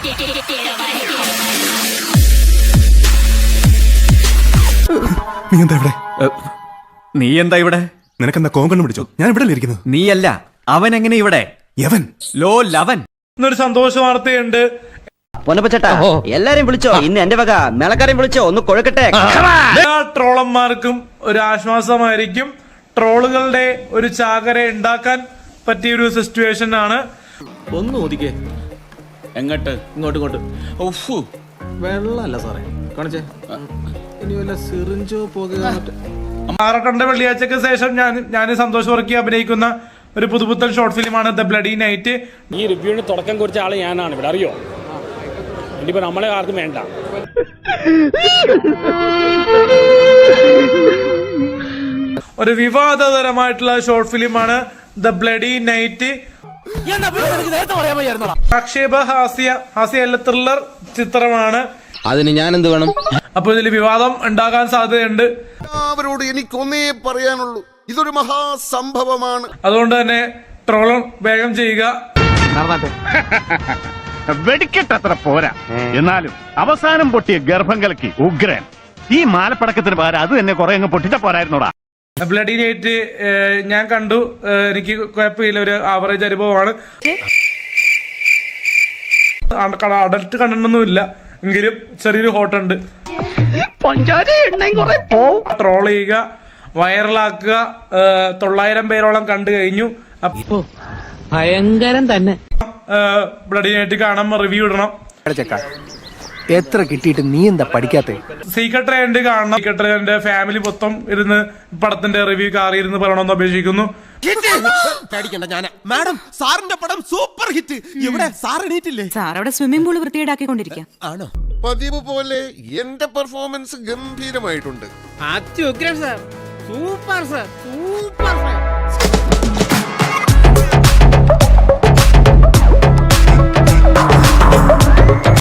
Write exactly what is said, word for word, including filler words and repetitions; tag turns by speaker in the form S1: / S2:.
S1: നീ എന്താ ഇവിടെ?
S2: നീ എന്താ ഇവിടെ?
S1: നിനക്കെന്താ കോങ്കണ്ണ് പിടിച്ചോ? ഞാൻ ഇവിടെ ഇരിക്കുന്നത്.
S2: നീയല്ല, അവൻ എങ്ങനെ ഇവിടെ?
S1: യവൻ
S2: ലോ ലവൻ.
S3: എന്നൊരു സന്തോഷ വാർത്തയുണ്ട്.
S4: പൊന്നപ്പച്ചേട്ടാ, എല്ലാരെയും വിളിച്ചോ, ഇന്ന് എന്റെ വക മേളക്കാരെയും വിളിച്ചോ, ഒന്ന് കൊഴുക്കട്ടെ.
S3: എല്ലാ ട്രോളന്മാർക്കും ഒരു ആശ്വാസമായിരിക്കും. ട്രോളുകളുടെ ഒരു ചാകര ഉണ്ടാക്കാൻ പറ്റിയ ഒരു സിറ്റുവേഷൻ ആണ്.
S5: ഒന്ന് ഒതുക്കേ. എങ്ങോട്ട്? ഇങ്ങോട്ട് ഇങ്ങോട്ട്. ഓഫ്, വെള്ളമല്ല സാറേ, കാണിച്ചേ. ഇനി വല്ല സിറിഞ്ചോ പോകുക.
S3: ആറക്കണ്ട വെള്ളിയാഴ്ചക്ക് ശേഷം ഞാൻ ഞാൻ സന്തോഷ് വർക്കി അഭിനയിക്കുന്ന ഒരു പുതുപുത്തൻ ഷോർട്ട് ഫിലിമാണ് ദ ബ്ലഡി നൈറ്റ്.
S6: ഈ റിവ്യൂവിന് തുടക്കം കുറിച്ച ആള് ഞാനാണ് ഇവിടെ, അറിയോ? ഇനിയിപ്പോ നമ്മളെ ആർക്കും വേണ്ട.
S3: ഒരു വിവാദതരമായിട്ടുള്ള ഷോർട്ട് ഫിലിമാണ് ദ ബ്ലഡി നൈറ്റ്. ആക്ഷേപ ഹാസ്യ ഹാസ്യ ത്രില്ലർ ചിത്രമാണ്.
S5: അതിന് ഞാൻ എന്ത് വേണം?
S3: അപ്പൊ ഇതിൽ വിവാദം ഉണ്ടാകാൻ സാധ്യതയുണ്ട്.
S7: അവരോട് എനിക്കൊന്നേ പറയാനുള്ളൂ, ഇതൊരു മഹാസംഭവമാണ്.
S3: അതുകൊണ്ട് തന്നെ ട്രോൾ വേഗം ചെയ്യുക.
S8: വെടിക്കെട്ടത്ര പോരാ, എന്നാലും അവസാനം പൊട്ടിയ ഗർഭം കലക്കി ഉഗ്രൻ. ഈ മാലപ്പടക്കത്തിന് പകരം അത് തന്നെ കുറെ അങ്ങ് പൊട്ടിച്ച പോരായിരുന്നോടാ.
S3: ബ്ലഡി നൈറ്റ് ഞാൻ കണ്ടു. എനിക്ക് കുഴപ്പമില്ല, ഒരു ആവറേജ് അനുഭവമാണ്. അഡൽട്ട് കണ്ടിട്ടൊന്നുമില്ല, എങ്കിലും ചെറിയൊരു ഹോട്ടുണ്ട്. ട്രോൾ ചെയ്യുക, വൈറലാക്കുക. തൊള്ളായിരം പേരോളം കണ്ടു കഴിഞ്ഞു.
S9: ഭയങ്കരം തന്നെ.
S3: ബ്ലഡി നൈറ്റ് കാണാൻ റിവ്യൂ ഇടണം.
S9: എത്ര കിട്ടിയിട്ട് നീ എന്താ പഠിക്കാത്ത?
S3: സീക്രട്ട് ട്രെൻഡ് കാണണം. സീക്രട്ട് ട്രെൻഡ് ഫാമിലി മൊത്തം ഇരുന്ന് പടത്തിന്റെ റിവ്യൂ കാറിയിരുന്ന് പറയണമെന്ന് അപേക്ഷിക്കുന്നു.
S5: മാഡം, സാറിന്റെ പടം സൂപ്പർ ഹിറ്റ്. ഇവിടെ സാർ എണീറ്റില്ലേ?
S10: സാർ അവിടെ സ്വിമ്മിംഗ് പൂള് വൃത്തിയേടാക്കിക്കൊണ്ടിരിക്കാം.
S5: ആണോ?
S7: പതിവ് പോലെ എന്റെ പെർഫോമൻസ് ഗംഭീരമായിട്ടുണ്ട്.
S9: അത്യുഗ്രം sir, super sir, super sir.